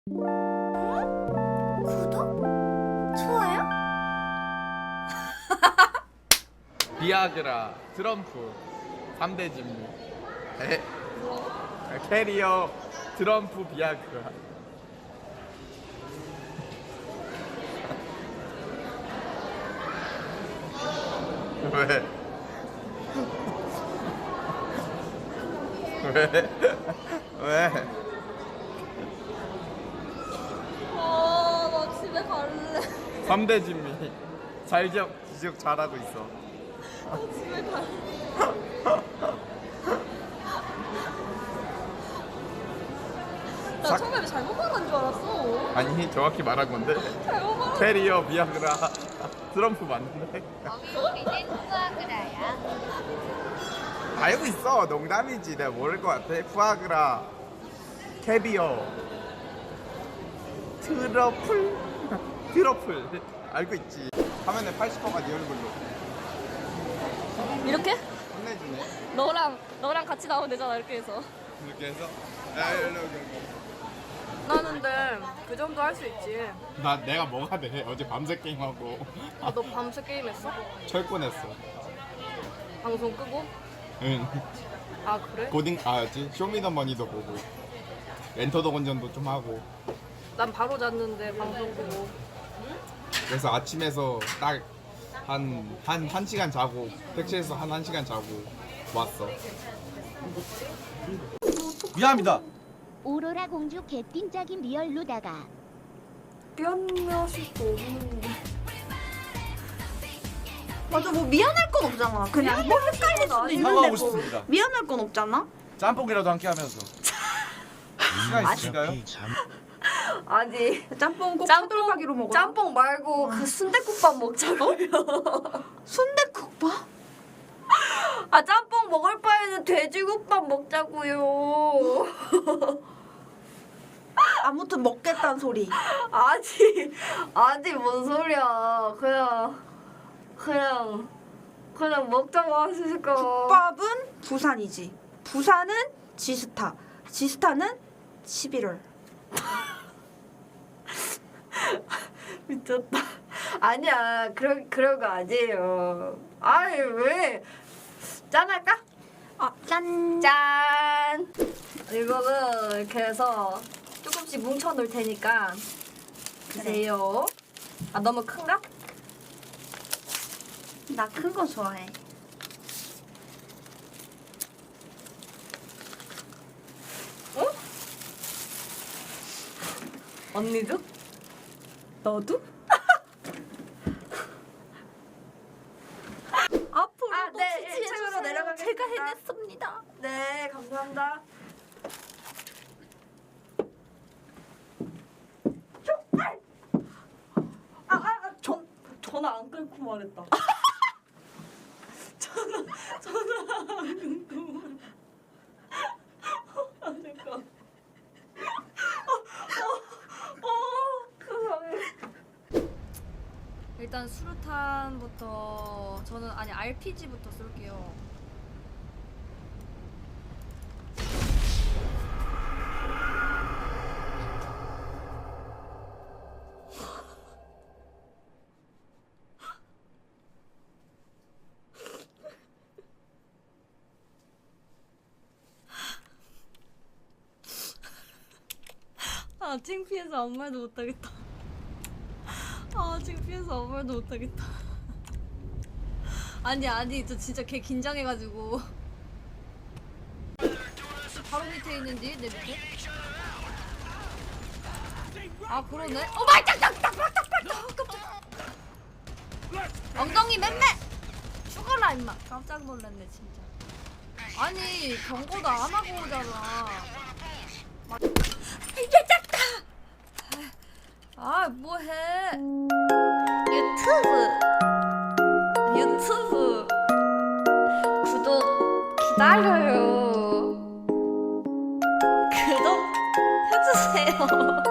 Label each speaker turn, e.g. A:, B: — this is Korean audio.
A: 구독? 좋아요?
B: 비아그라, 트럼프, 3대 진무. 캐리어, 트럼프, 비아그라. 왜? 왜? 왜?
A: 나 집에 갈래.
B: 3대 진미. 지적 잘하고 있어.
A: 나 집에 갈래. 나 처음에 잘못 말한 줄 알았어.
B: 아니, 정확히 말한 건데.
A: 잘못 말한.
B: 캐리어, 비아그라, 트럼프 맞는데?
C: 우리는 후아그라야.
B: 알고 있어. 농담이지. 내가 모를 것 같아. 푸아그라, 캐비어, 트러플. 알고 있지. 화면에 80%가 네 얼굴로.
A: 이렇게?
B: 혼내주네.
A: 너랑 같이 나오면 되잖아 이렇게 해서.
B: 이렇게 해서. 야, 여기.
D: 나는데 그 정도 할 수 있지.
B: 내가 뭐가 돼? 어제 밤새 게임하고
D: 너 밤새 게임했어?
B: 철권했어.
D: 방송 끄고?
B: 응.
D: 아 그래?
B: 뭐지? 쇼미더머니도 보고 엔터더 건전도 좀 하고.
D: 난 바로 잤는데 방송 끄고.
B: 그래서 아침에서 딱 한 시간 자고 택시에서 한 1시간 자고 왔어. 미안합니다.
C: 오로라 공주 개띵짝인 리얼로다가
D: 미안하실 수 없는데.
E: 맞아, 뭐 미안할 건 없잖아. 그냥 뭐 헷갈릴 수도 있는데
B: 사과하고
E: 뭐
B: 싶습니다.
E: 미안할 건 없잖아.
B: 짬뽕이라도 함께 하면서. 시간 있으신가요?
D: 아니
E: 짬뽕 꼭
D: 짬뽕,
E: 차돌박이로 먹어.
D: 짬뽕 말고 그 순댓국밥 먹자고요.
E: 순대국밥?
D: 아 짬뽕 먹을 바에는 돼지국밥 먹자고요.
E: 아무튼 먹겠다는 소리.
D: 아니 뭔 소리야. 그냥 먹자고 하실까.
E: 국밥은 부산이지. 부산은 지스타. 지스타는 11월.
D: 미쳤다. 아니야, 그런 거 아니에요. 아니 왜? 짠할까?
E: 짠.
D: 짠. 이거는 이렇게 해서 조금씩 뭉쳐 놓을 테니까 드세요. 아 너무 큰가?
E: 나 큰 거 좋아해.
D: 언니도? 너도?
A: 앞으로
D: 아,
A: 또
D: 네,
A: 지지해주세요.
D: 책으로 내려가겠습니다.
A: 제가 해냈습니다.
D: 네, 감사합니다. 전화 안 끊고 말했다. 전화 안 끊고 말했다. 아, 잠깐. 세상에. 일단 수류탄부터 저는 RPG부터 쏠게요. 창피해서 아무 말도 못하겠다. 창피해서 아무 말도 못하겠다. 아니 저 진짜 개 긴장해가지고. 바로 밑에 있는지 내 밑에. 아 그러네. 깜짝. 엉덩이 맴매. 죽어라 임마. 깜짝 놀랐네 진짜. 아니 경고도 안 하고 오잖아. 이게 작다. 뭐해? 유튜브 구독 기다려요. 구독 해주세요.